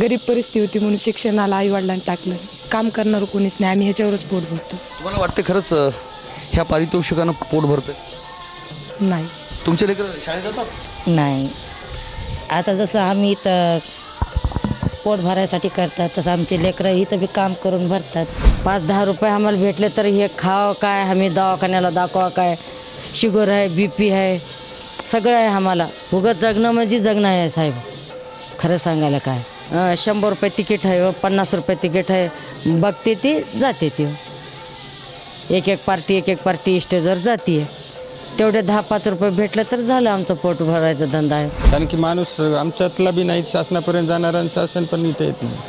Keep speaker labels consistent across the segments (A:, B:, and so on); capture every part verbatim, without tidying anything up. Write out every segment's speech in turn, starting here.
A: गरीब परिस्थिती होती म्हणून शिक्षणाला आईवडिलांनी टाकलं नाही. काम करणारं कोणीच नाही, आम्ही ह्याच्यावरच पोट भरतो.
B: तुम्हाला वाटते खरंच अ, ह्या पारितोषिकानं पोट भरतं?
A: नाही.
B: तुमचे लेकरं शाळेत जातात?
C: नाही. आता जसं आम्ही इथं पोट भरायसाठी करतात तसं आमचे लेकरं इथं बी काम करून भरतात.
D: पाच दहा रुपये आम्हाला भेटले तर हे खावं काय, आम्ही दवाखान्याला दाखवा काय, शुगर आहे, बी पी आहे, सगळं आहे आम्हाला. उगत जगणं म्हणजे जगणं आहे साहेब, खरं सांगायला काय. अं, शंभर रुपये तिकीट आहे, पन्नास रुपये तिकीट आहे, बघते ती जाते ती, एक एक पार्टी एक एक पार्टी स्टेजवर जाते आहे. तेवढे दहा पाच रुपये भेटले तर झालं आमचं पोट भरायचा धंदा आहे.
E: कारण की माणूस आमच्यातला बी नाही शासनापर्यंत जाणार आणि शासन पण इथे येत नाही.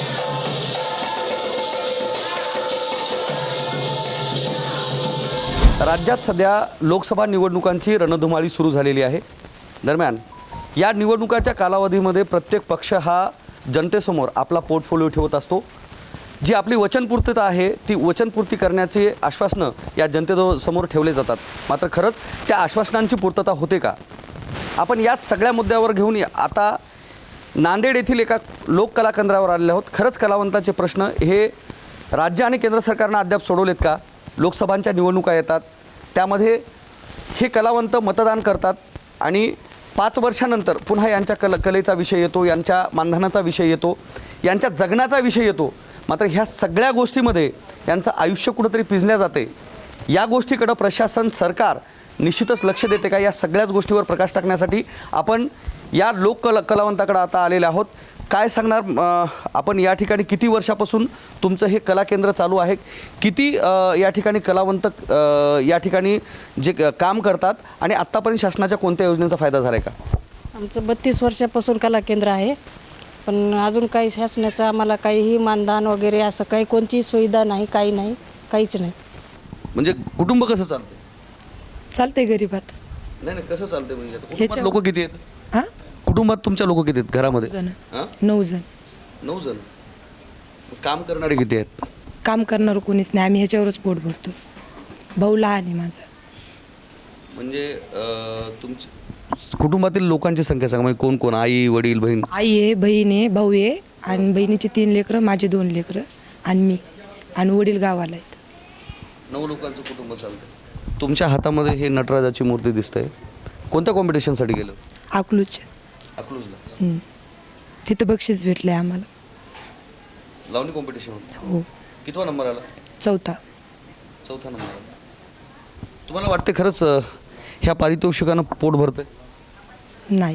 B: राज्यात सध्या लोकसभा निवडणुकांची रणधुमाळी सुरू झालेली आहे. दरम्यान या निवडणुकाच्या कालावधीमध्ये प्रत्येक पक्ष हा जनतेसमोर आपला पोर्टफोलिओ ठेवत असतो. जी आपली वचनपूर्तता आहे ती वचनपूर्ती करण्याचे आश्वासनं या जनतेसमोर ठेवले जातात. मात्र खरंच त्या आश्वासनांची पूर्तता होते का? आपण याच सगळ्या मुद्द्यावर घेऊन आता नांदेड येथील एका लोककला केंद्रावर आलेले आहोत. खरंच कलावंताचे प्रश्न हे राज्य आणि केंद्र सरकारनं अद्याप सोडवलेत का? लोकसभांच्या निवडणुका येतात, त्यामध्ये हे कलावंत मतदान करतात आणि पाच वर्षानंतर पुन्हा यांच्या कल कलेचा विषय येतो, यांच्या मानधनाचा विषय येतो, यांच्या जगण्याचा विषय येतो. मात्र ह्या सगळ्या गोष्टीमध्ये यांचं आयुष्य कुठंतरी पिंजल्या जाते. या गोष्टीकडं प्रशासन सरकार निश्चितच लक्ष देते का? या सगळ्याच गोष्टीवर प्रकाश टाकण्यासाठी आपण या लोक कला कलावंताकडे आता आलेले आहोत. काय सांगणार आपण या ठिकाणी किती वर्षापासून तुमचं हे कला केंद्र चालू आहे? किती या ठिकाणी कलावंत या ठिकाणी जे काम करतात आणि आत्तापर्यंत शासनाच्या कोणत्या योजनेचा फायदा झाला आहे का?
F: आमचं बत्तीस वर्षापासून कला केंद्र आहे, पण अजून काही शासनाचं आम्हाला काहीही मानधन वगैरे असं काही कोणतीही सुविधा नाही, काही नाही, काहीच नाही.
B: म्हणजे कुटुंब कसं चालतं?
A: चालते गरीबात.
B: नाही नाही कसं चालते म्हणजे
A: ह्याच्या-
B: लोक किती आहेत?
A: हां,
B: कुटुंबात तुमच्या लोक किती आहेत घरामध्ये?
A: जण
B: हां,
A: नऊ जण.
B: नऊ जण. काम करणारे किती आहेत?
A: काम करणारं कोणीच नाही, आम्ही ह्याच्यावरच पोट भरतो. भाऊ लहान आहे माझा.
B: म्हणजे तुमच्या कुटुंबातील लोकांची संख्या सांगा, म्हणजे कोण कोण? आई, वडील, बहीण?
A: आई आहे, बहीण आहे, भाऊ आहे आणि बहिणीची तीन लेकरं, माझे दोन लेकरं आणि मी, आणि वडील गावाला आहेत.
B: नऊ लोकांचं कुटुंब चालतं. तुमच्या हातामध्ये हे नटराजाची मूर्ती दिसते. कोणत्या कॉम्पिटिशनसाठी गेलं?
A: अकलूज.
B: अकलूजला.
A: तिथं बक्षीस भेटलं आहे आम्हाला.
B: लावणी कॉम्पिटिशन?
A: हो.
B: कितवा नंबर आला?
A: चौथा.
B: चौथा नंबर आला. तुम्हाला वाटते खरंच ह्या पारितोषिकानं पोट भरतंय?
A: नाही.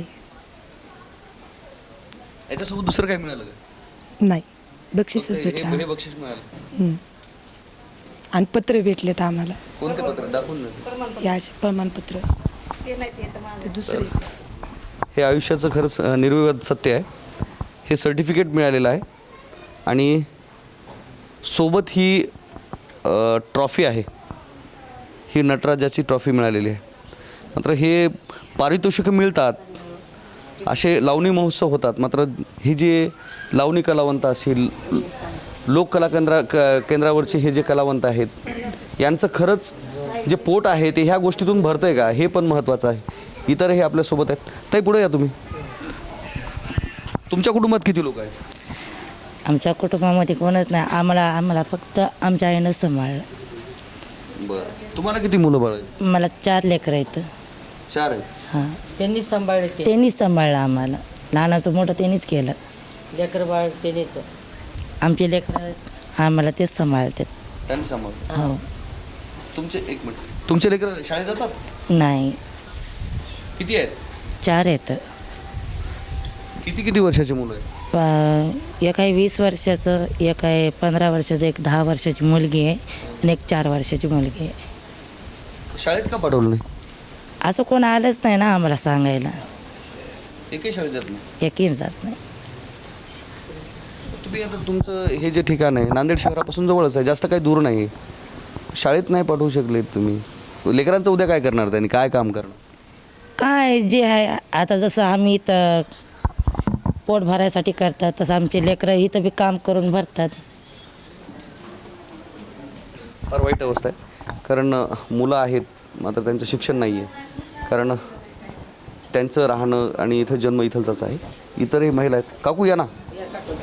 B: याच्यासोबत दुसरं काय मिळालं का?
A: नाही, बक्षीसच भेटलं.
B: हे बक्षीस मिळालं
A: आणि पत्र भेटलेत आम्हाला.
B: कोणते पत्र? दाखवून नाही.
A: या असे प्रमाणपत्र. ते दुसरे.
B: हे आयुष्याचं खरंच निर्विवाद सत्य आहे. हे सर्टिफिकेट मिळालेलं आहे आणि सोबत ही ट्रॉफी आहे. ही नटराजाची ट्रॉफी मिळालेली आहे. मात्र हे पारितोषिकं मिळतात, असे लावणी महोत्सव होतात. मात्र ही जे लावणी कलावंत असेल, लोककला केंद्रा क केंद्रावरचे हे जे कलावंत आहेत, यांचं खरंच जे पोट आहे ते ह्या गोष्टीतून भरतं आहे का, हे पण महत्त्वाचं आहे. इतरही आपल्यासोबत आहेत. ताई पुढे या तुम्ही. तुमच्या कुटुंबात किती लोक आहेत?
C: आमच्या कुटुंबामध्ये कोणच नाही. आम्हाला आम्हाला फक्त आमच्या आईनं सांभाळलं.
B: बरं. तुम्हाला किती मुलं बाळ आहेत?
C: मला चार लेकरं आहेत.
B: चार आहेत.
C: हां,
D: त्यांनीच सांभाळले, ते
C: त्यांनीच सांभाळलं आम्हाला. लहानाचं मोठं त्यांनीच केलं.
D: लेकर बाळ त्यांनीच.
C: आमचे लेकरं आम्हाला तेच सांभाळतात.
B: त्यांनी सांभाळ.
C: हो.
B: तुमचे एक मिनिट, तुमचे लेकर शाळेत जातात?
C: नाही,
B: किती आहेत?
C: चार आहेत.
B: किती किती वर्षाची मुलं आहेत?
C: प एक आहे वीस वर्षाचं, एक आहे पंधरा वर्षाचं, एक दहा वर्षाची मुलगी आहे आणि एक चार वर्षाची मुलगी आहे.
B: शाळेत का पाठवलं नाही?
C: असं कोण आलंच नाही ना आम्हाला सांगायला.
B: एकही शाळेत जात नाही?
C: एकही जात नाही.
B: तुम्ही आता तुमचं हे जे ठिकाण आहे नांदेड शहरापासून जवळच आहे, जास्त काही दूर नाही. शाळेत नाही पाठवू शकलेत तुम्ही. लेकरांचं उद्या काय करणार, त्यांनी काय काम करणार?
C: काय जे आहे आता जसं आम्ही इथं पोट भरायसाठी करतात तसं आमचे लेकरं इथं बी काम करून भरतात.
B: फार वाईट अवस्था आहे. कारण मुलं आहेत मात्र त्यांचं शिक्षण नाही आहे. कारण त्यांचं राहणं आणि इथं जन्म इथलचाच आहे. इतरही महिला आहेत. काकू या ना.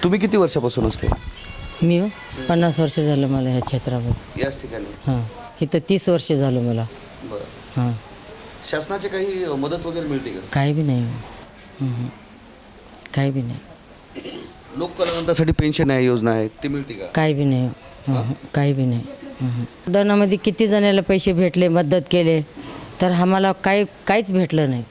B: तुम्ही किती वर्षापासून असते
D: मी हो, पन्नास वर्ष झालं मला ह्या क्षेत्रामध्ये.
B: याच ठिकाणी?
D: हां इथं तीस वर्ष झालं मला.
B: बरं.
D: हां
B: शासनाची काही मदत वगैरे मिळते का?
D: काही बी नाही. हं. काही बी नाही.
B: लोककलावंतासाठी पेन्शन आहे, योजना आहे, ती मिळते का?
D: काही बी नाही. हं. काही बी नाही. लॉकडाऊनामध्ये किती जणाला पैसे भेटले, मदत केले, तर आम्हाला काही काहीच भेटलं नाही.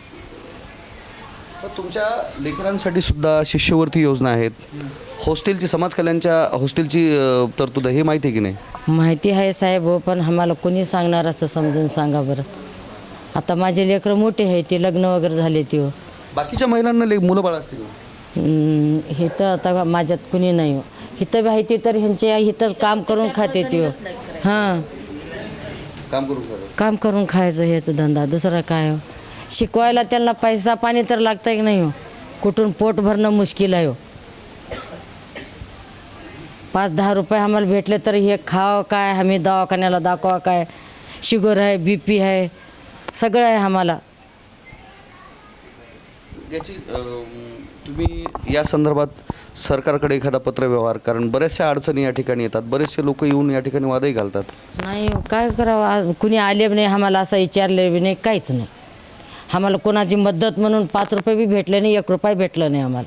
B: पण तुमच्या लेकरांसाठी सुद्धा शिष्यवृत्ती योजना आहेत, हॉस्टेलची, समाज कल्याणच्या हॉस्टेलची अ, तरतूद आहे, हे माहिती आहे की नाही?
D: माहिती आहे साहेब हो, पण आम्हाला कोणी सांगणार असं समजून सांगा बरं. आता माझे लेकरं मोठे आहे, ते लग्न वगैरे झाले ते हो.
B: बाकीच्या महिलांना ले मुलं बाळ असतील का?
D: हं, इथं आता माझ्यात कुणी नाही हो. इथं माहिती तर ह्यांचे इथं काम करून खाते ते हो. हां
B: काम करून खरं.
D: काम करून खायचं ह्याचं धंदा, दुसरा काय हो. शिकवायला त्यांना पैसा पाणी तर लागतं की नाही हो. कुठून पोट भरणं मुश्किल आहे हो. पाच दहा रुपये आम्हाला भेटले तर हे खावं काय, आम्ही दवाखान्याला दाखवा काय, शुगर आहे, बी पी आहे, सगळं आहे आम्हाला.
B: याची अम, तुम्ही या संदर्भात सरकारकडे एखादा पत्रव्यवहार, कारण बऱ्याचशा अडचणी या ठिकाणी येतात, बरेचसे लोक येऊन या ठिकाणी वादही घालतात.
D: नाही हो, काय करावं, आज कुणी आले बी नाही आम्हाला, असं विचारले बी नाही, काहीच नाही. आम्हाला कोणाची मदत म्हणून पाच रुपये बी भेटले नाही, एक रुपया भेटलं नाही आम्हाला.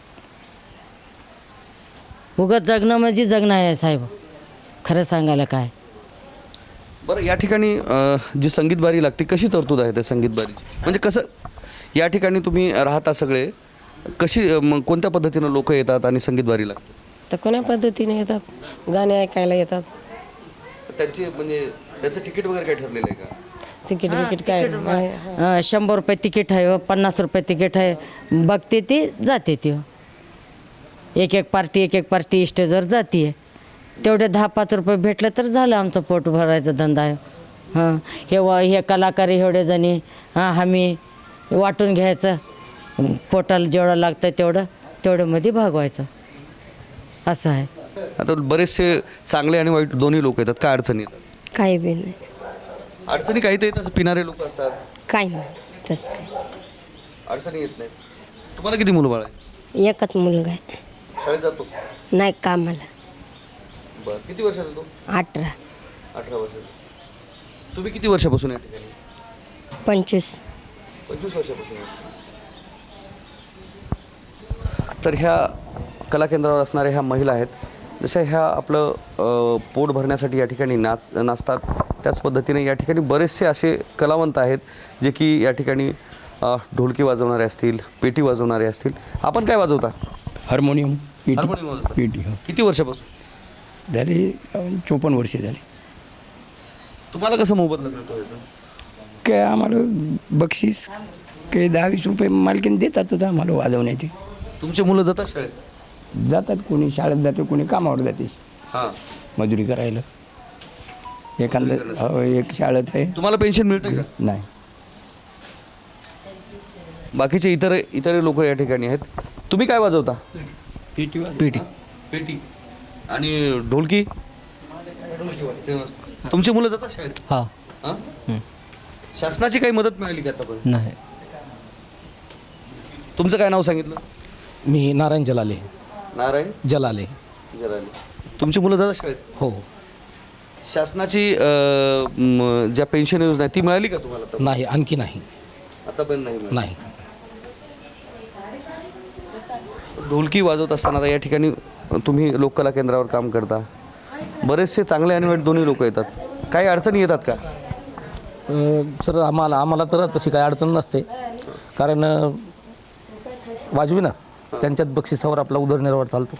D: उगाच जगणं म्हणजे जगणं आहे साहेब, खरं सांगायला काय.
B: बरं, या ठिकाणी अ, जी संगीत बारी लागते, कशी तरतूद आहे त्या संगीत बारीची? म्हणजे कसं या ठिकाणी तुम्ही राहता सगळे, कशी अ, मग कोणत्या पद्धतीनं लोक येतात आणि संगीत बारी लागते?
G: तर कोण्या पद्धतीने येतात, गाणे ऐकायला येतात.
B: त्यांची म्हणजे त्याचं तिकीट वगैरे काय ठरलेलं आहे का?
G: तिकीट बिकीट काय आहे?
D: अं, शंभर रुपये तिकीट आहे हो, पन्नास रुपये तिकीट आहे, बघते ती जाते ती हो. एक एक पार्टी एक एक पार्टी स्टेजवर जाते आहे. तेवढे दहा पाच रुपये भेटले तर झालं आमचं पोट भरायचा धंदा आहे. हां हे व हे कलाकार एवढे जणी, हां आम्ही वाटून घ्यायचं, पोटाला जेवढं लागतं तेवढं तेवढ्यामध्ये भागवायचं, असं आहे.
B: आता बरेचसे चांगले आणि वाईट दोन्ही लोक येतात, काय अडचणी येतात?
F: काही बी नाही,
B: अडचणी काही तर येतात, पिणारे लोक असतात,
F: काही नाही तसं काय.
B: अडचणी येत नाही. तुम्हाला किती मुलं बाळ आहे?
F: एकच मुलगा आहे,
B: शाळेत जातो?
F: नाही कामाला.
B: बरं, किती वर्षाचा तो?
F: अठरा
B: अठरा वर्षाचा. तुम्ही किती वर्षापासून या ठिकाणी?
F: पंचवीस.
B: पंचवीस वर्षापासून. तर ह्या कला केंद्रावर असणाऱ्या ह्या महिला आहेत, जशा ह्या आपलं अ, पोट भरण्यासाठी या ठिकाणी नाच नाचतात, त्याच पद्धतीने या ठिकाणी बरेचसे असे कलावंत आहेत जे की या ठिकाणी अ, ढोलकी वाजवणारे असतील, पेटी वाजवणारे असतील. आपण काय वाजवता?
H: हार्मोनियम, पेटी.
B: हार्मोनियम वाजवता.
H: पेटी हो.
B: किती वर्षापासून?
H: झाली चोपन्न वर्षे झाली.
B: तुम्हाला कसं मोबदला मिळतो याचं?
H: काय आम्हाला बक्षीस काही दहा वीस रुपये मालकीन देतातच आम्हाला वाजवण्याचे.
B: तुमचे मुलं जातात शाळेत?
H: जातात, कोणी शाळेत जाते, कोणी कामावर जाते
B: हां.
H: मजुरी करायला. एखादं हो, एक शाळेत आहे.
B: तुम्हाला पेन्शन मिळतं का?
H: नाही.
B: बाकीचे इतर इतर लोक या ठिकाणी आहेत. तुम्ही काय वाजवता?
H: पेटी
B: पेटी. पेटी आणि ढोलकी? तुमची मुलं जातात शाळेत?
I: हां.
B: हां? शासनाची काही मदत मिळाली का आतापर्यंत?
I: नाही.
B: तुमचं काय नाव सांगितलं?
I: मी नारायण जलाले.
B: नारायण
I: जलाले.
B: जराले. तुमची मुलं जातात शाळेत?
I: हो.
B: शासनाची अ, म, ज्या पेन्शन योजना आहे ती मिळाली का तुम्हाला आता?
I: नाही, आणखी नाही.
B: आतापर्यंत नाही मिळाली.
I: नाही.
B: ढोलकी वाजवत असताना आता या ठिकाणी तुम्ही लोककला केंद्रावर काम करता, बरेचसे चांगले आणि वाईट दोन्ही लोक येतात, काही अडचणी येतात का?
I: अ, सर आम्हाला आम्हाला तर तशी काही अडचण नसते, कारण अ, वाजवी ना त्यांच्यात बक्षिसावर आपला उदरनिर्वाह चालतो.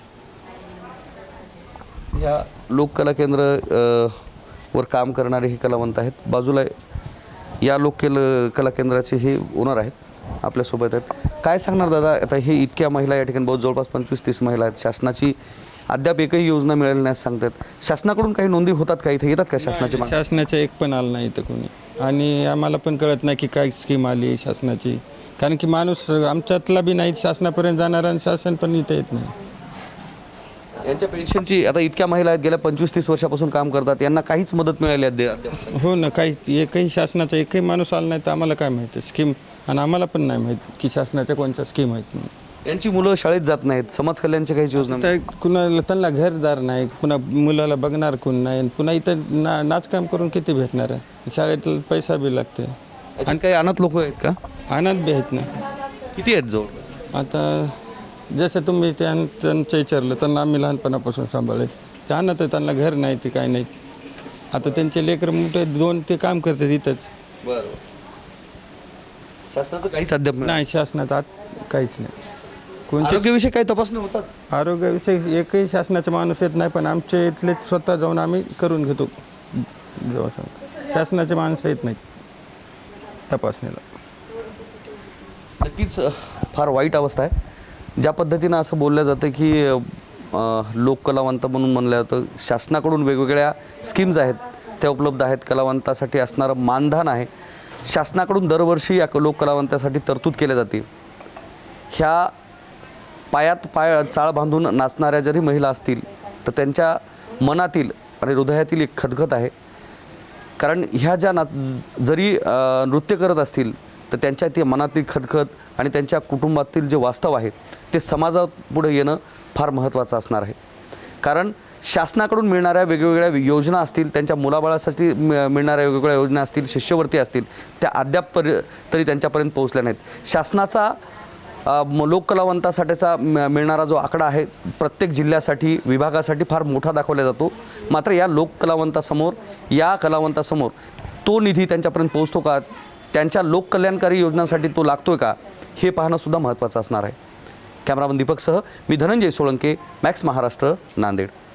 B: ह्या लोककला केंद्र अ, वर काम करणारे हे कलावंत आहेत. बाजूला या लोक कला केंद्राचे हे ओनर आहेत, आपल्यासोबत आहेत. काय सांगणार दादा, आता हे इतक्या महिला या ठिकाणी बहुत जवळपास पंचवीस तीस महिला आहेत, शासनाची अद्याप एकही योजना मिळाली नाही सांगतात, शासनाकडून काही नोंदी होतात का, इथे येतात का शासनाचे माणसं?
E: शासनाच्या एक पण आलं नाही इथं कोणी, आणि आम्हाला पण कळत नाही की काय स्कीम आली शासनाची, कारण की माणूस आमच्यातला बी नाही शासनापर्यंत जाणारा, आणि शासन पण इथं येत नाही.
B: यांच्या पेन्शनची आता इतक्या महिला आहेत, गेल्या पंचवीस तीस वर्षापासून काम करतात, यांना काहीच मदत मिळाली आहे अद्याप?
E: हो ना, काही एकही शासनाचा एकही माणूस आला नाही तर आम्हाला काय माहिती स्कीम, आणि आम्हाला पण नाही माहीत की शासनाच्या कोणत्या स्कीम आहेत.
B: यांची मुलं शाळेत जात नाहीत, समाज कल्याणच्या काही योजना
E: तर कुणाला त्यांना घरदार नाही, कुणा मुलाला बघणार कोण नाही, आणि पुन्हा इथं ना नाचकाम करून किती भेटणार आहे, शाळेत पैसा बी लागते.
B: आणि काही अनाथ लोक आहेत का?
E: आनंद बी आहेत ना.
B: किती आहेत जवळ?
E: आता जसं तुम्ही त्या त्यांचं विचारलं त्यांना आम्ही लहानपणापासून सांभाळले, ते अनाथ आहे, त्यांना घर नाही, ते काय नाही. आता त्यांचे लेकरं मोठे दोन ते काम करतात इथंच.
B: बरं. शासनाचं काहीच अद्याप मिळालं
E: नाही, शासनात आत काहीच नाही. कोणत्या
B: आरोग्याविषयी काही तपासणी होतात?
E: आरोग्याविषयी एकही शासनाचा माणूस येत नाही, पण आमचे इथले स्वतः जाऊन आम्ही करून घेतो. जेव्हा सांगतो शासनाचे माणसं येत नाहीत तपासणीला.
B: नक्कीच अ, फार वाईट अवस्था आहे. ज्या पद्धतीनं असं बोललं जातं की अ, लोककलावंत म्हणून म्हणलं जातं, शासनाकडून वेगवेगळ्या स्कीम्स आहेत त्या उपलब्ध आहेत, कलावंतासाठी असणारं मानधन आहे, शासनाकडून दरवर्षी या लोककलावंतासाठी तरतूद केल्या जाते. ह्या पायात पाय चाळ बांधून नाचणाऱ्या जरी महिला असतील तर त्यांच्या मनातील आणि हृदयातील एक खदखत आहे. कारण ह्या ज्या ना जरी अ, नृत्य करत असतील तर त्यांच्या ते मनातील खदखत आणि त्यांच्या कुटुंबातील जे वास्तव आहे ते समाजापुढे येणं फार महत्त्वाचं असणार आहे. कारण शासनाकडून मिळणाऱ्या वेगवेगळ्या योजना असतील, त्यांच्या मुलाबाळासाठी मि मिळणाऱ्या वेगवेगळ्या योजना असतील, शिष्यवृत्ती असतील, त्या अद्याप परि तरी त्यांच्यापर्यंत पोहोचल्या नाहीत. शासनाचा अ, म- लोककलावंतासाठीचा म- मिळणारा जो आकडा आहे प्रत्येक जिल्ह्यासाठी विभागासाठी फार मोठा दाखवला जातो. मात्र या लोककलावंतासमोर या कलावंतासमोर तो निधी त्यांच्यापर्यंत पोहोचतो का, त्यांच्या लोककल्याणकारी योजनांसाठी तो लागतोय का, हे पाहणंसुद्धा महत्त्वाचं असणार आहे. कॅमेरामन दीपकसह मी धनंजय सोळंके, मॅक्स महाराष्ट्र, नांदेड.